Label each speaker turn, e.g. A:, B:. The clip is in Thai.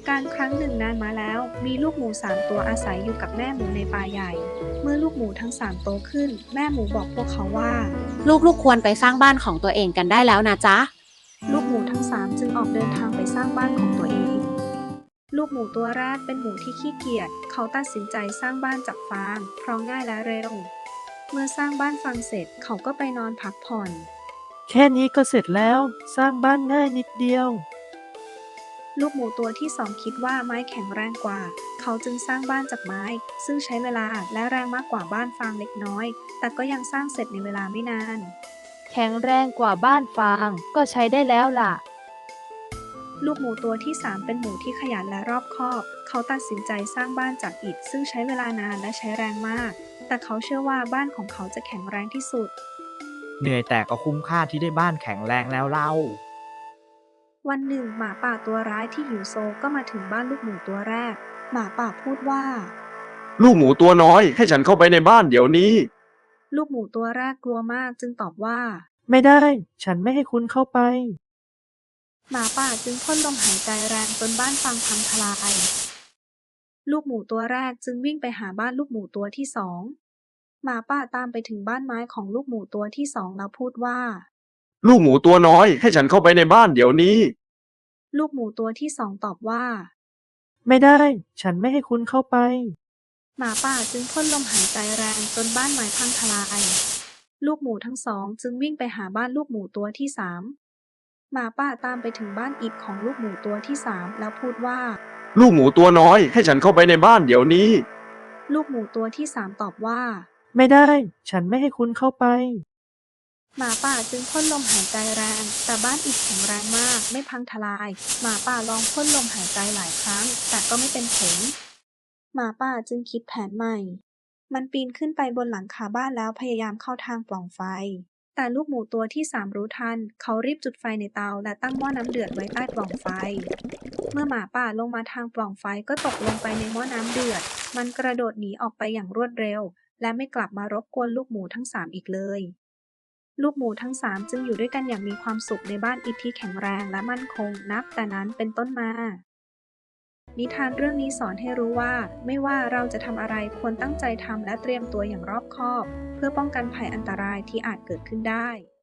A: การครั้งหนึ่งนานมาแล้วมีลูกหมู3 ตัวอาศัยอยู่กับแม่หมูในป่าใหญ่เมื่อลูกหมูทั้ง3 โตขึ้นแม่หมูบอกพวกเขาว่า
B: ลูกๆควรไปสร้างบ้านของตัวเองกันได้แล้วนะจ๊ะ
A: ลูกหมูทั้ง3จึงออกเดินทางไปสร้างบ้านของตัวเองลูกหมูตัวแรกเป็นหมูที่ขี้เกียจเขาตัดสินใจสร้างบ้านจากฟางเพราะง่ายและเร็วเมื่อสร้างบ้านฟางเสร็จเขาก็ไปนอนพักผ่อน
C: แค่นี้ก็เสร็จแล้วสร้างบ้านง่ายนิดเดียว
A: ลูกหมูตัวที่2คิดว่าไม้แข็งแรงกว่าเขาจึงสร้างบ้านจากไม้ซึ่งใช้เวลาและแรงมากกว่าบ้านฟางเล็กน้อยแต่ก็ยังสร้างเสร็จในเวลาไม่นาน
D: แข็งแรงกว่าบ้านฟางก็ใช้ได้แล้วล่ะ
A: ลูกหมูตัวที่3เป็นหมูที่ขยันและรอบคอบเขาตัดสินใจสร้างบ้านจากอิฐซึ่งใช้เวลานานและใช้แรงมากแต่เขาเชื่อว่าบ้านของเขาจะแข็งแรงที่สุด
E: เหนื่อยแต่ก็คุ้มค่าที่ได้บ้านแข็งแรงแล้วเล่า
A: วันหนึ่งหมาป่าตัวร้ายที่หิวโซก็มาถึงบ้านลูกหมูตัวแรกหมาป่าพูดว่า
F: ลูกหมูตัวน้อยให้ฉันเข้าไปในบ้านเดี๋ยวนี้
A: ลูกหมูตัวแรกกลัวมากจึงตอบว่า
C: ไม่ได้ฉันไม่ให้คุณเข้าไป
A: หมาป่าจึงพ่นลมหายใจแรงจนบ้านฟางพังทลายลูกหมูตัวแรกจึงวิ่งไปหาบ้านลูกหมูตัวที่2หมาป่าตามไปถึงบ้านไม้ของลูกหมูตัวที่2แล้วพูดว่า
F: ลูกหมูตัวน้อยให้ฉันเข้าไปในบ้านเดี๋ยวนี้
A: ลูกหมูตัวที่2ตอบว่า
C: ไม่ได้ฉันไม่ให้คุณเข้าไป
A: หมาป่าจึงพ่นลมหายใจแรงจนบ้านไม้พังทลายลูกหมูทั้ง2จึงวิ่งไปหาบ้านลูกหมูตัวที่3หมาป่าตามไปถึงบ้านอิฐของลูกหมูตัวที่3แล้วพูดว่า
F: ลูกหมูตัวน้อยให้ฉันเข้าไปในบ้านเดี๋ยวนี้
A: ลูกหมูตัวที่3ตอบว่า
C: ไม่ได้ฉันไม่ให้คุณเข้าไป
A: หมาป่าจึงพ่นลมหายใจแรงแต่บ้านอิฐแข็งแรงมากไม่พังทลายหมาป่าลองพ่นลมหายใจหลายครั้งแต่ก็ไม่เป็นผลหมาป่าจึงคิดแผนใหม่มันปีนขึ้นไปบนหลังคาบ้านแล้วพยายามเข้าทางปล่องไฟแต่ลูกหมูตัวที่3รู้ทันเขารีบจุดไฟในเตาและตั้งหม้อน้ำเดือดไว้ใต้ปล่องไฟเมื่อหมาป่าลงมาทางปล่องไฟก็ตกลงไปในหม้อน้ำเดือดมันกระโดดหนีออกไปอย่างรวดเร็วและไม่กลับมารบกวนลูกหมูทั้ง3อีกเลยลูกหมูทั้ง3จึงอยู่ด้วยกันอย่างมีความสุขในบ้านอิฐที่แข็งแรงและมั่นคงนับแต่นั้นเป็นต้นมานิทานเรื่องนี้สอนให้รู้ว่าไม่ว่าเราจะทำอะไรควรตั้งใจทำและเตรียมตัวอย่างรอบคอบเพื่อป้องกันภัยอันตรายที่อาจเกิดขึ้นได้